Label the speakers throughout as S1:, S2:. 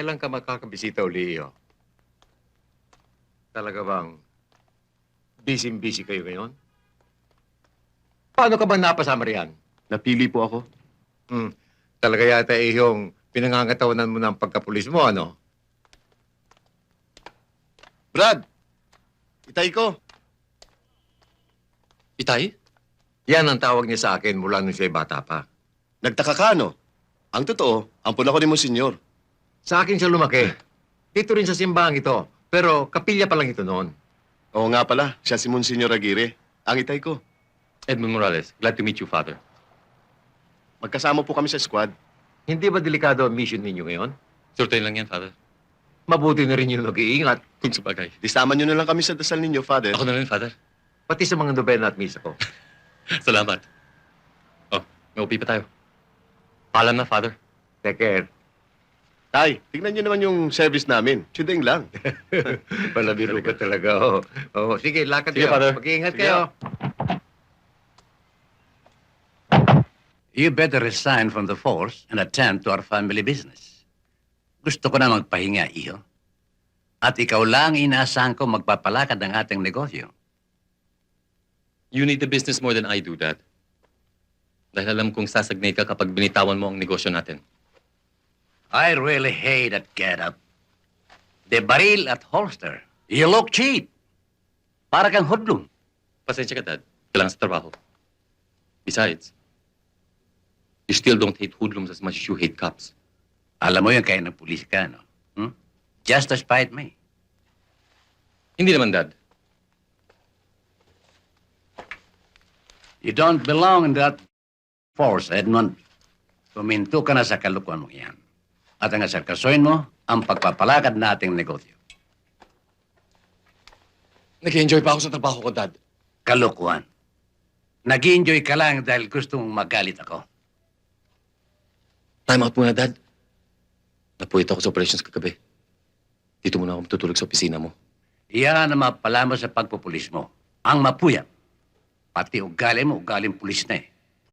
S1: Kailan ka makakabisita uli, Iyo? Talaga bang busy-busy kayo ngayon? Paano ka ba napasama riyan?
S2: Napili po ako.
S1: Talaga yata yung pinangangatawanan mo ng pagkapulis mo, ano?
S2: Brad! Itay ko!
S3: Itay?
S1: Yan ang tawag niya sa akin mula nung siya'y bata pa.
S2: Nagtaka ka, no? Ang totoo, ampun ako ni Monsignor.
S1: Sa akin siya lumaki. Dito rin sa simbahan ito. Pero kapilya pa lang ito noon.
S2: Oo nga pala, siya si Monsignor Aguirre. Ang itay ko.
S3: Edmund Morales, glad to meet you, Father.
S2: Magkasama po kami sa squad.
S1: Hindi ba delikado ang mission ninyo ngayon?
S3: Surtayin lang yan, Father.
S1: Mabuti na rin yung nag-iingat.
S3: Kung sabagay.
S2: Disama nyo na lang kami sa dasal ninyo, Father.
S3: Ako na rin, Father.
S1: Pati sa mga nobena at misa ko.
S3: Salamat. Oh, may upi pa tayo. Paalam na, Father.
S1: Take care.
S2: Tay, tignan nyo naman yung service namin. Chudeng lang.
S1: Palabiro ka talaga. Oh, sige, lakad
S3: Sige,
S1: kayo.
S3: Father.
S1: Mag-iingat
S2: Sige.
S1: kayo.
S4: You better resign from the force and attend to our family business. Gusto ko na magpahinga, iho. At ikaw lang inaasahan ko magpapalakad ng ating negosyo.
S3: You need the business more than I do, Dad. Dahil alam kong sasagnay ka kapag binitawan mo ang negosyo natin.
S4: I really hate that get-up. The baril at holster. You look cheap. Para kang hoodlum.
S3: Pasensya ka, Dad. Kailangan sa trabaho. Besides, you still don't hate hoodlums as much as you hate cops.
S4: Alam mo yun kaya ng pulis ka, no? Just to spite me.
S3: Hindi naman, Dad.
S4: You don't belong in that force, Edmund. Tuminto ka na sa kalukuan mo yan. At ang asarkasoin mo, ang pagpapalakad nating negosyo.
S3: Nag-enjoy pa ako sa trabaho ko, Dad.
S4: Kalukuan. Nag-enjoy ka lang dahil gusto mong magalit ako.
S3: Time out muna, Dad. Napuwit ako sa operations kagabi. Dito muna ako matutulog sa opisina mo.
S4: Iyan ang mapala mo sa pagpupulis mo. Ang mapuyat. Pati ugali mo, ugaling pulis na eh.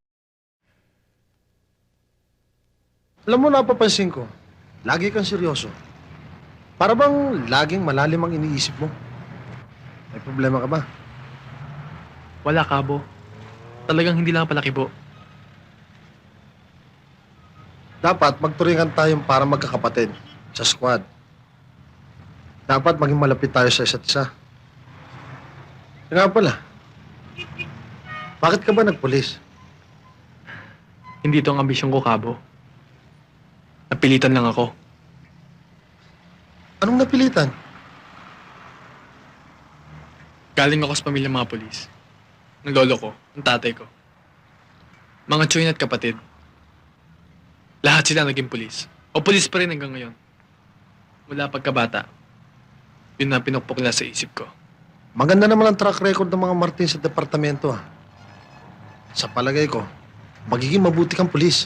S5: Alam mo, napapansin ko, lagi kang seryoso. Para bang laging malalim ang iniisip mo? May problema ka ba?
S6: Wala, Kabo. Talagang hindi lang palakibo.
S5: Dapat magturingan tayong para magkakapatid sa squad. Dapat maging malapit tayo sa isa't isa. Kaya nga pala, bakit ka ba nagpulis?
S6: Hindi ito ang ambisyon ko, Kabo. Napilitan lang ako.
S5: Anong napilitan?
S6: Galing ako sa pamilyang mga polis. Ng lolo ko, ng tatay ko. Mga tsuyin at kapatid. Lahat sila naging pulis. O pulis pa rin hanggang ngayon. Mula pagkabata, yun na pinukpok nila sa isip ko.
S5: Maganda naman ang track record ng mga Martin sa departamento, ah. Sa palagay ko, magiging mabuti kang pulis.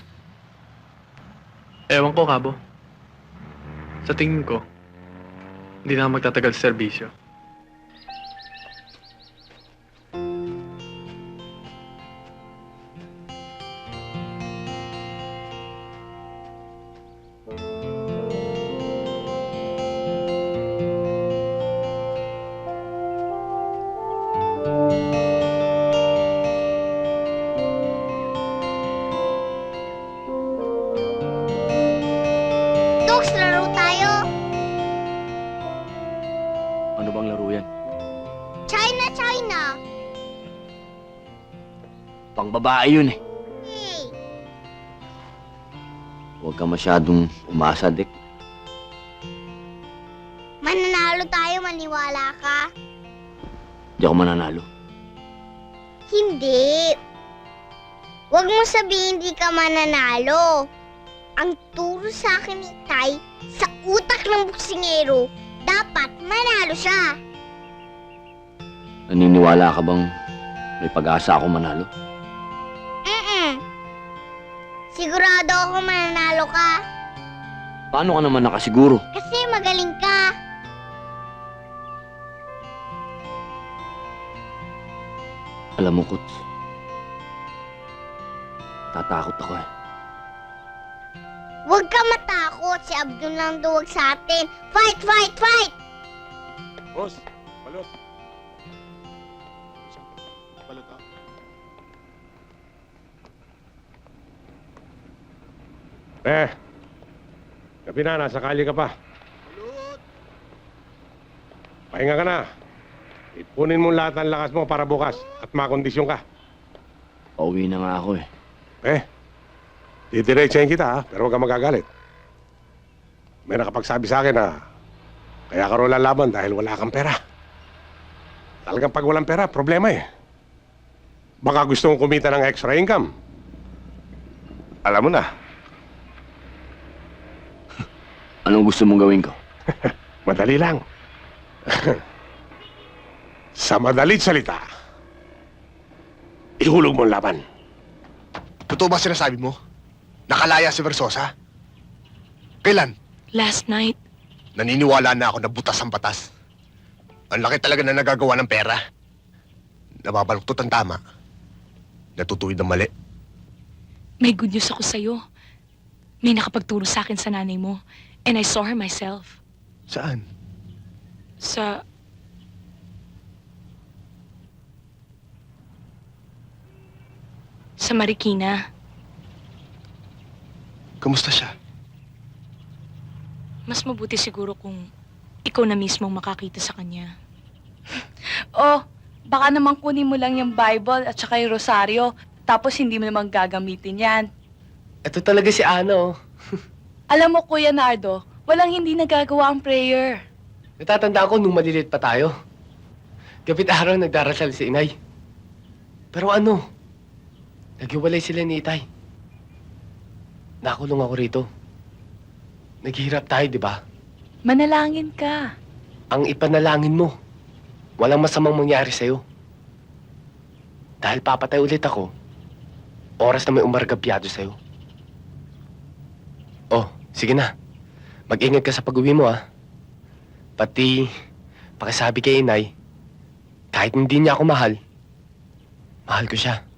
S6: Ewan ko, Kabo. Sa tingin ko, hindi na ako magtatagal sa serbisyo.
S7: Dogs, laro tayo.
S2: Ano bang laro yan?
S7: China, China.
S8: Pang babae yun eh.
S7: Hey,
S8: Huwag ka masyadong umasa, Dick.
S7: mananalo tayo, maniwala ka?
S8: Di ako mananalo.
S7: Hindi. Huwag mo sabihin hindi ka mananalo. Ang turo sa akin ni Tay, sa utak ng buksingero, dapat manalo siya.
S8: Naniniwala ka bang may pag-asa ako manalo?
S7: Sigurado ako mananalo ka.
S8: Paano ka naman nakasiguro?
S7: Kasi magaling ka.
S8: Alam mo, Kuts, tatakot ako eh.
S7: Huwag ka matakot. Si Abdul lang duwag sa atin. Fight, fight, fight!
S2: Boss, balot. Balot ah.
S9: Gabi na, nasa kalye ka pa. Pahinga ka na. Ipunin mo lahat ng lakas mo para bukas at makondisyon ka.
S8: Pauwi na nga ako eh.
S9: Didiretsahin kita ha, pero huwag ka magagalit. May nakapagsabi sa akin na kaya ka raw lalaban dahil wala kang pera. Talagang pag walang pera, problema eh. Baka gusto mong kumita ng extra income.
S2: Alam mo na,
S8: Anong gusto mong gawin ko?
S9: Madali lang. Sa madalit salita, ihulog mo ang laban.
S5: Totoo ba sinasabi mo? Nakalaya si Versosa? Kailan?
S10: Last night,
S5: Naniniwala na ako na butas ang batas. Ang laki talaga na nagagawa ng pera. Nababaluktot ang tama. Natutuwid ang mali.
S10: may good news ako sa'yo. May nakapagturo sa akin sa nanay mo. And I saw her myself.
S5: Saan?
S10: Sa... Sa Marikina.
S5: Kamusta siya?
S10: Mas mabuti siguro kung ikaw na mismo ang makakita sa kanya. Oh, baka naman kunin mo lang yung Bible at saka yung Rosaryo, tapos hindi mo naman gagamitin yan.
S11: Ito talaga si Ano.
S10: Alam mo, Kuya Nardo, walang hindi nagagawa ang prayer.
S11: Natatandaan ko nung maliliit pa tayo. Gabit araw nagdarasal si inay. Pero ano? Naghiwalay sila ni Itay. Nakulong ako rito. Naghihirap tayo, di ba?
S10: Manalangin ka.
S11: Ang ipanalangin mo, walang masamang mangyari sa'yo. Dahil papatay ulit ako, oras na may umargabyado sa'yo. Oh, sige na. Mag-ingat ka sa pag-uwi mo, ah. Pati, pakisabi kay inay, kahit hindi niya ako mahal, mahal ko siya.